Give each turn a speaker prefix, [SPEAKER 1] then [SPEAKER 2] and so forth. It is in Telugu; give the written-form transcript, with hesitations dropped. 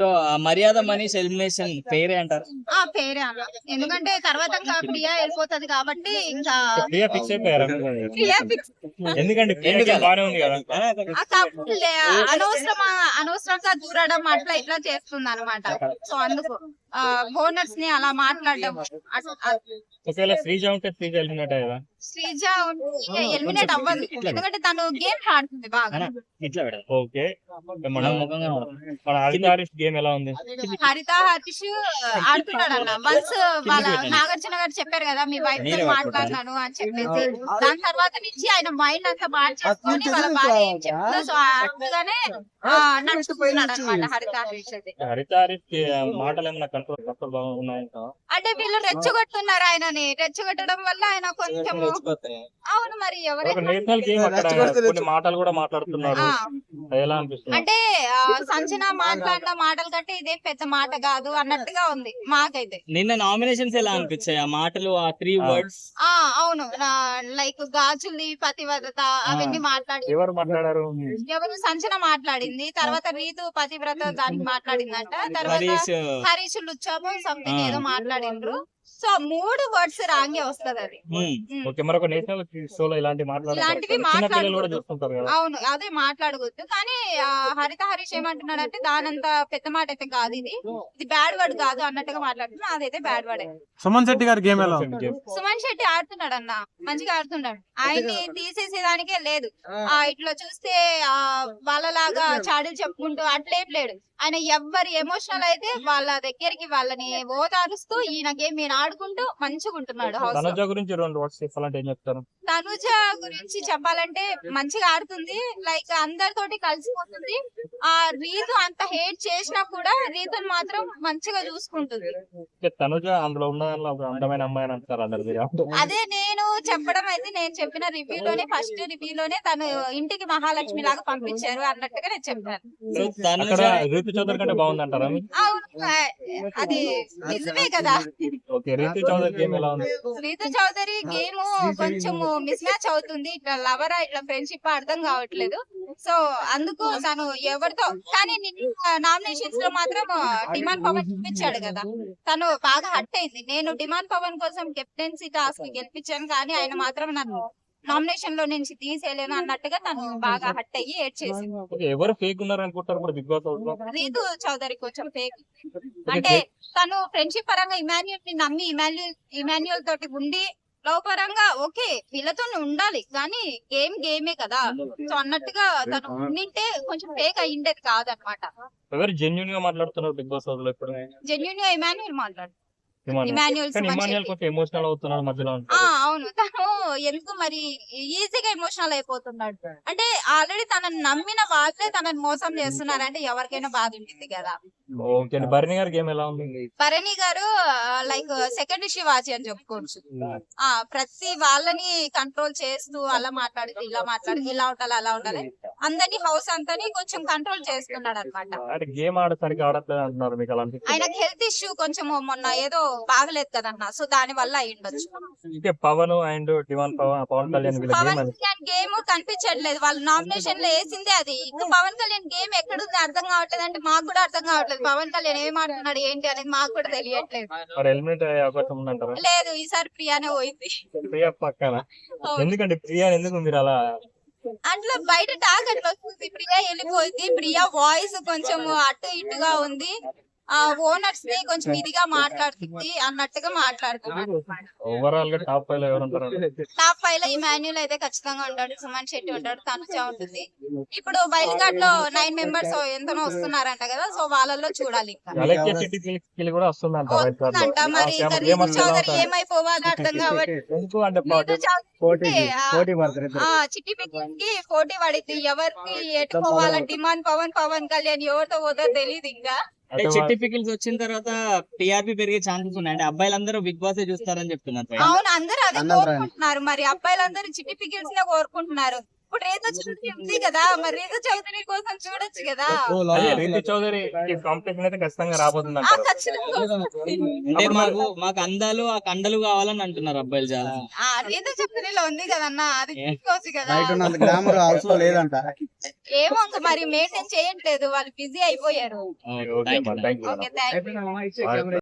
[SPEAKER 1] సో మర్యాద మనీష్ ఎలిమినేషన్ పేరే అంటారు.
[SPEAKER 2] పేరే అన్న, ఎందుకంటే తర్వాత ఇంకా ప్రియా వెళ్ళిపోతది కాబట్టి ఇంకా
[SPEAKER 3] ప్రియా ఫిక్స్ అయిపోయారు.
[SPEAKER 2] ప్రియా ఫిక్స్.
[SPEAKER 3] ఎందుకంటే ప్రియా బానే ఉంది కదా.
[SPEAKER 2] అనవసరంగా దూరడం అట్లా ఇట్లా చేస్తుంది అనమాట. సో అందుకు ఓనర్స్ ని అలా మాట్లాడడం.
[SPEAKER 3] ఒకవేళ శ్రీజ ఉంటే శ్రీజ ఎలిమినేట్ అయ్యేదా?
[SPEAKER 2] శ్రీజ ఎలిమినేట్ అవ్వదు, ఎందుకంటే తను గేమ్ ఆడుతుంది బాగా.
[SPEAKER 1] ఇట్లా పెడదాం.
[SPEAKER 3] ఓకే, మన హరిత హరీష్ గేమ్ ఎలా ఉంది?
[SPEAKER 2] హరిత హరీష్ ఆడుతున్నాడు అన్న. వన్స్ వాళ్ళ నాగార్జున గారు చెప్పారు కదా, మీ వైఫ్ తో మాట్లాడినాను అని చెప్పేసి, దాని తర్వాత నుంచి ఆయన మైండ్ అంతా మార్చేసుకొని వాళ్ళ భార్య ఏం చెప్తుందో సో అట్టుగానే నడుచుకున్నాడు అనమాట హరిత హరీష్.
[SPEAKER 3] హరిత హరీష్ మాటలు ఏమన్నా కంట్రోల్ బాగా ఉన్నాయంట.
[SPEAKER 2] అంటే వీళ్ళు రెచ్చగొట్టున్నారు ఆయనని. రెచ్చగొట్టడం వల్ల ఆయన కొంచెం అవును మరి ఎవరైనా
[SPEAKER 3] నేషనల్ గేమ్ అక్కడ కొన్ని మాటలు కూడా మాట్లాడుతున్నారు. ఎలా అనిపిస్తుంది?
[SPEAKER 2] అంటే సంచన మాట్లాడిన మాటల కంటే ఇదే పెద్ద మాట కాదు అన్నట్టుగా ఉంది మాకైతే.
[SPEAKER 1] నిన్న నామినేషన్స్ ఎలా అనిపించాయి ఆ మాటలు, ఆ 3 words?
[SPEAKER 2] అవును, లైక్ గాజుల్ని పతివ్రత అవన్నీ మాట్లాడి.
[SPEAKER 3] ఎవరు మాట్లాడారు?
[SPEAKER 2] ఎవరు సంచన మాట్లాడింది, తర్వాత రీతు పతివ్రత దానికి మాట్లాడిందంట, తర్వాత హరీష్ లుచ్చాము సంథింగ్ ఏదో మాట్లాడిండ్రు. సో 3 words రాంగే వస్తది అది.
[SPEAKER 3] ఓకే, మరొక నేషనల్ షోలో ఇలాంటివి
[SPEAKER 2] మాట్లాడుకుంటారు. అవును, అదే మాట్లాడకూడదు. కానీ హరిత హరీష్ ఏమంటున్నాడంటే దానంత పెద్ద మాట అయితే కాదు, ఇది బ్యాడ్ వర్డ్ కాదు అన్నట్టుగా మాట్లాడుతున్నా. అదైతే బ్యాడ్ వర్డ్.
[SPEAKER 4] సుమన్ శెట్టి గారి గేమ్ ఎలా ఉంది?
[SPEAKER 2] సుమన్ శెట్టి ఆడుతున్నాడు అన్న, మంచిగా ఆడుతున్నాడు. ఆయన్ని తీసేసేదానికే లేదు. ఇట్లా చూస్తే వాళ్ళలాగా చాడీలు చెప్పుకుంటూ అట్లేం లేడు ఆయన. ఎవ్వరి ఎమోషనల్ అయితే వాళ్ళ దగ్గరికి వాళ్ళని ఓదారుస్తూ ఈయన గేమ్ ఈయన ఆడుకుంటూ మంచిగా ఉంటున్నాడు.
[SPEAKER 3] తనుజ గురించి 2 words చెప్పాలంటే ఏం చెప్తారు?
[SPEAKER 2] తనుజ గురించి చెప్పాలంటే మంచిగా ఆడుతుంది, లైక్ అందరితోటి కలిసిపోతుంది. రీతు అంత హేట్ చేసినా కూడా రీతుని మాత్రం మంచిగా చూసుకుంటుంది.
[SPEAKER 3] తనుజ అందులో ఉన్న అందమైన అమ్మాయి అని అంటారు అందరు.
[SPEAKER 2] అదే నేను చెప్పడం అయితే, నేను చెప్పిన రివ్యూలోనే ఫస్ట్ రివ్యూలోనే తను ఇంటికి మహాలక్ష్మి లాగా పంపించారు అన్నట్టుగా నేను చెప్పాను.
[SPEAKER 3] రీతు చౌదరి కంటే బాగుంది అంటారా?
[SPEAKER 2] అది నిజమే కదా.
[SPEAKER 3] రీతు చౌదరి గేమ్ ఎలా ఉంది?
[SPEAKER 2] రీతు చౌదరి గేమ్ కొంచెం మిస్ మ్యాచ్ అవుతుంది. ఇట్లా లవరా ఇట్లా ఫ్రెండ్షిప్ అర్థం కావట్లేదు. సో అందుకు తను ఎవరితో, కానీ నామినేషన్స్ లో మాత్రం డిమాండ్ పవన్ చూపించాడు కదా, తను బాగా హట్ అయింది. నేను డిమాండ్ పవన్ కోసం కెప్టెన్సీ టాస్క్ గెలిపించాను, కానీ ఆయన మాత్రం నన్ను నామినేషన్ లో నుంచి తీసేయలేను అన్నట్టుగా తను బాగా హట్ అయ్యి ఏడ్ చేసింది.
[SPEAKER 3] ఎవరు ఫేక్ ఉన్నారు అనుకుంటారు కూడా బిగ్ బాస్ హౌస్ లో?
[SPEAKER 2] రీతు చౌదరి కొంచెం ఫేక్. అంటే తను ఫ్రెండ్షిప్ పరంగా ఇమాన్యుల్ ని నమ్మి ఇమాన్యుల్ తోటి ఉండి లవ్ పరంగా ఓకే వీళ్ళతో ఉండాలి, కానీ గేమే కదా. సో అన్నట్టుగా తను ఉండింటే కొంచెం ఫేక్ అయ్యిండేది కాదనమాట.
[SPEAKER 3] ఎవరు జెన్యూన్ గా మాట్లాడుతున్నారు బిగ్ బాస్ హౌస్ లో? ఇప్పుడు
[SPEAKER 2] జెన్యూన్ గా ఇమాన్యుల్ మాట్లాడు.
[SPEAKER 3] ఎమోషనల్ అవుతున్నాడు మధ్యలో.
[SPEAKER 2] అవును, తను ఎందుకు మరి ఈజీగా ఎమోషనల్ అయిపోతున్నాడు అంటే ఆల్రెడీ తనని నమ్మిన వాళ్ళే తనని మోసం చేస్తున్నారంటే ఎవరికైనా బాధ ఉంటుంది కదా.
[SPEAKER 3] భరణి గారి గేమ్ ఎలా ఉంది?
[SPEAKER 2] భరణి గారు లైక్ సెకండ్ శివాజీ అని చెప్పుకోవచ్చు. ప్రతి వాళ్ళని కంట్రోల్ చేస్తూ అలా మాట్లాడితే ఇలా మాట్లాడి ఇలా ఉండాలి అలా ఉండాలి అందరినీ హౌస్ అంతని కొంచెం కంట్రోల్ చేస్తున్నాడు అనమాట.
[SPEAKER 3] గేమ్ ఆడటానికి ఆడట్లేదు అంటున్నారు మీకు అలాంటి?
[SPEAKER 2] ఆయనకు హెల్త్ ఇష్యూ కొంచెం మొన్న ఏదో బాగలేదు కదన్నా, సో దాని వల్ల అయ్యుండొచ్చు.
[SPEAKER 3] పవన్ అండ్ పవన్ కళ్యాణ్
[SPEAKER 2] గేమ్ కనిపించట్లేదు. వాళ్ళు నామినేషన్ లో వేసిందే అది. ఇంకా పవన్ కళ్యాణ్ గేమ్ ఎక్కడుంది అర్థం కావట్లేదు. అంటే మాకు కూడా అర్థం కావట్లేదు పవన్ కళ్యాణ్ ఏం ఆడుతున్నాడు ఏంటి అనేది మాకు కూడా తెలియట్లేదు. లేదు, ఈసారి ప్రియానే పోయింది.
[SPEAKER 3] ప్రియా పక్కన ఎందుకంటే ప్రియా ఎందుకు మీరు అలా
[SPEAKER 2] అట్లా బయట టాక్ అట్లా వస్తుంది. ప్రియా వెళ్ళిపోయింది. ప్రియా వాయిస్ కొంచెం అటు ఇటుగా ఉంది. ఓనర్స్ ని కొంచెం ఇదిగా మాట్లాడుతుంది అన్నట్టుగా మాట్లాడుతున్నాడు.
[SPEAKER 3] ఓవరాల్ గా టాప్ 5 లో ఎవరు ఉంటారు?
[SPEAKER 2] టాప్ 5 లో ఇమాన్యుల్ అయితే ఖచ్చితంగా ఉంటాడు, సుమన్ శెట్టి ఉంటాడు, తనుజ ఉంటుంది. ఇప్పుడు బయలుఘాట్ లో 9 members ఎంతనో వస్తున్నారంట కదా, సో వాళ్ళల్లో చూడాలి. వస్తుందంట మరి ఇంకా రీతు చౌదరి ఏమైపోవాలి అర్థం కాబట్టి చిట్టి పిక్కి పోటీ పడింది. ఎవరికి ఎట్టుకోవాలని డిమాండ్ పవన్ కళ్యాణ్ ఎవరితో పోతో తెలియదు. ఇంకా
[SPEAKER 1] చిట్టి పికిల్స్ వచ్చిన తర్వాత టీఆర్పీ పెరిగే ఛాన్సెస్ ఉన్నాయి. అంటే అబ్బాయిలందరూ బిగ్ బాస్ చూస్తారని చెప్తున్నారు.
[SPEAKER 2] అవును, అందరూ అదే కోరుకుంటున్నారు. మరి అబ్బాయిలందరూ చిట్టి పికిల్స్ నే కోరుకుంటున్నారు. ఇప్పుడు రీతు చౌదరి ఉంది కదా, మరి రీతు చౌదరి కోసం చూడొచ్చు కదా.
[SPEAKER 3] రీతు చౌదరి కాంపిటీషన్ అయితే ఖచ్చితంగా రాబోతుంది.
[SPEAKER 1] అంటే మాకు అందాలు ఆ కండలు కావాలని అంటున్నారు అబ్బాయిలు చాలా.
[SPEAKER 2] రీతు చౌదరిలో ఉంది కదన్నా, అది చూసుకోవచ్చు కదా. ఏమో ఇంకా మరి మెయింటైన్ చేయట్లేదు, వాళ్ళు బిజీ అయిపోయారు.
[SPEAKER 3] ఓకే అమ్మా, thank you.
[SPEAKER 2] Okay thank you.